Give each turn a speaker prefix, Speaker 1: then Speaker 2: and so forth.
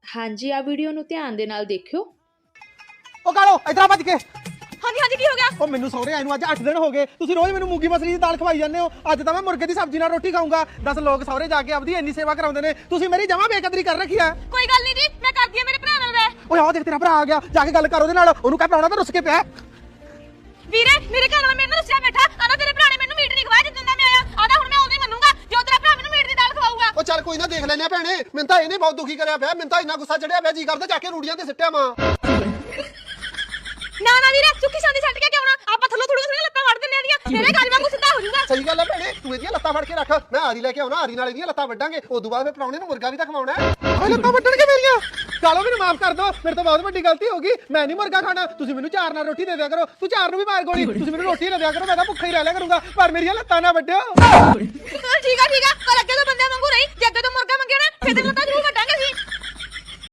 Speaker 1: ਹਾਂਜੀ ਆ ਵੀਡੀਓ ਨੂੰ ਧਿਆਨ ਦੇ ਨਾਲ ਦੇਖਿਓ।
Speaker 2: ਉਹ ਕਾਲੋ ਇਧਰ ਆ ਭੱਜ ਕੇ।
Speaker 3: ਹਾਂਜੀ ਹਾਂਜੀ ਕੀ ਹੋ ਗਿਆ?
Speaker 2: ਉਹ ਮੈਨੂੰ ਸਹੁਰੇ ਆਏ ਨੂੰ ਅੱਜ 8 ਦਿਨ ਹੋ ਗਏ। ਤੁਸੀਂ ਰੋਜ਼ ਮੈਨੂੰ ਮੂੰਗੀ ਮਸਰੀ ਦੀ ਦਾਲ ਖਵਾਈ ਜਾਂਦੇ ਹੋ। ਅੱਜ ਤਾਂ ਮੈਂ ਮੁਰਗੇ ਦੀ ਸਬਜ਼ੀ ਨਾਲ ਰੋਟੀ ਖਾਊਂਗਾ। 10 ਲੋਕ ਸਹੁਰੇ ਜਾ ਕੇ ਆਪਦੀ ਇੰਨੀ ਸੇਵਾ ਕਰਾਉਂਦੇ ਨੇ, ਤੁਸੀਂ ਮੇਰੀ ਜਮਾਂ ਬੇਕਦਰੀ ਕਰ ਰੱਖੀ ਆ।
Speaker 3: ਕੋਈ ਗੱਲ ਨਹੀਂ ਜੀ, ਮੈਂ ਕਰਦੀ ਆ ਮੇਰੇ ਭਰਾ ਨਾਲ ਰਹਿ।
Speaker 2: ਓਏ ਆਹ ਦੇਖ ਤੇਰਾ ਭਰਾ ਆ ਗਿਆ, ਜਾ ਕੇ ਗੱਲ ਕਰ ਉਹਦੇ ਨਾਲ। ਉਹਨੂੰ ਕਹਿ ਪ੍ਰਾਹੁਣਾ ਤਾਂ ਰੁੱਸ ਕੇ ਪਿਆ।
Speaker 3: ਵੀਰੇ ਮੇਰੇ ਘਰ ਵਾਲਾ ਮੇਰੇ ਨਾਲ ਰੁੱਸਿਆ ਬੈਠਾ। ਆਂਦਾ ਤੇਰੇ ਭਰਾ ਨੇ ਮੈਨੂੰ ਮੀਟ ਨਹੀਂ ਖਵਾਇਆ ਜਿੱਦਾਂ ਦਾ ਮੈਂ ਆਇਆ। ਆਂਦਾ ਹੁਣ ਮੈਂ ਉਦੋਂ ਹੀ ਮੰਨੂਗਾ ਜੋ ਤੇਰਾ ਭਰਾ ਮੈਨੂੰ ਮੀਟ ਦੀ ਦਾਲ ਖਵਾਊਗਾ।
Speaker 4: ਉਹ ਚੱਲ ਕੋਈ ਨਾ ਦੇਖ ਲੈਨੇ ਆ ਭੈਣੇ। ਮੈਨੂੰ ਤਾਂ ਇਹਨੇ ਬਹੁਤ ਦੁਖੀ ਕਰਿਆ ਪਿਆ। ਮੈਨੂੰ ਤਾਂ ਇੰਨਾ ਗੁੱਸਾ ਚੜਿਆ ਪਿਆ, ਜੀ ਕਰਦਾ ਜਾ ਕੇ ਰੂੜੀਆਂ ਤੇ ਸਿੱਟਿਆ ਮਾਂ।
Speaker 3: ਨਾ ਨਾ ਵੀਰੇ ਸੁੱਕੀ ਸਾਂਦੀ ਛੱਡ ਕੇ ਕਿਉਂ ਨਾ ਆਪਾਂ ਥੱਲੋਂ ਥੋੜੀਆਂ ਲੱਤਾਂ ਵੜ ਦਿੰਨੇ ਆਦੀਆਂ। ਮੇਰੇ ਗੱਲ ਵਾਂਗੂ ਸਿੱਧਾ ਹੋ ਜਾਊਗਾ।
Speaker 4: ਸਹੀ ਗੱਲ ਆ ਭੈਣੇ, ਤੂੰ ਇਹਦੀਆਂ ਲੱਤਾਂ ਫੜ ਕੇ ਰੱਖ। ਮੈਂ ਆਰੀ ਲੈ ਕੇ ਆਉਣਾ, ਆਰੀ ਨਾਲ ਇਹਦੀਆਂ ਲੱਤਾਂ ਵੱਢਾਂਗੇ। ਉਦੋਂ ਬਾਅਦ ਫਿਰ ਪ੍ਰਾਹੁਣੇ ਨੂੰ ਮੁਰਗਾ ਵੀ ਤਾਂ ਖਵਾਉਣਾ ਹੈ।
Speaker 2: ਓਏ ਲੱਤਾਂ ਵੱਢਣਗੇ ਮੇਰੀਆਂ। ਕਾਲੋ ਮੈਨੂੰ ਮਾਫ ਕਰ ਦਿਓ, ਮੇਰੇ ਤੋਂ ਬਹੁਤ ਵੱਡੀ ਗਲਤੀ ਹੋ ਗਈ। ਮੈਂ ਨਹੀਂ ਮੁਰਗਾ ਖਾਣਾ। ਤੁਸੀਂ ਮੈਨੂੰ ਚਾਰ ਨਾਲ ਰੋਟੀ ਦੇ ਦਿਆ ਕਰੋ। ਤੂੰ ਚਾਰ ਨੂੰ ਵੀ ਮਾਰ ਗੋਲੀ। ਤੁਸੀਂ ਮੈਨੂੰ ਰੋਟੀ ਨਾ ਦਿਆ ਕਰੋ, ਮੈਂ ਤਾਂ ਭੁੱਖਾ ਹੀ ਰਹਿ ਲਿਆ ਕਰੂੰਗਾ। ਪਰ ਮੇਰੀਆਂ ਲੱਤਾਂ ਨਾ ਵੱਢਿਓ।
Speaker 3: ਠੀਕ ਆ ਪਰ ਅੱਗੇ ਤੋਂ ਬੰਦਿਆਂ ਵਾਂਗੂ ਰਹੀ। ਜੇ ਅੱਗੇ ਤੋਂ ਮੁਰਗਾ ਮੰਗਿਆ ਨਾ ਫਿਰ ਤੇ ਲੱਤਾਂ ਜ਼ਰੂਰ ਵੱਢਾਂਗੇ ਅਸੀਂ।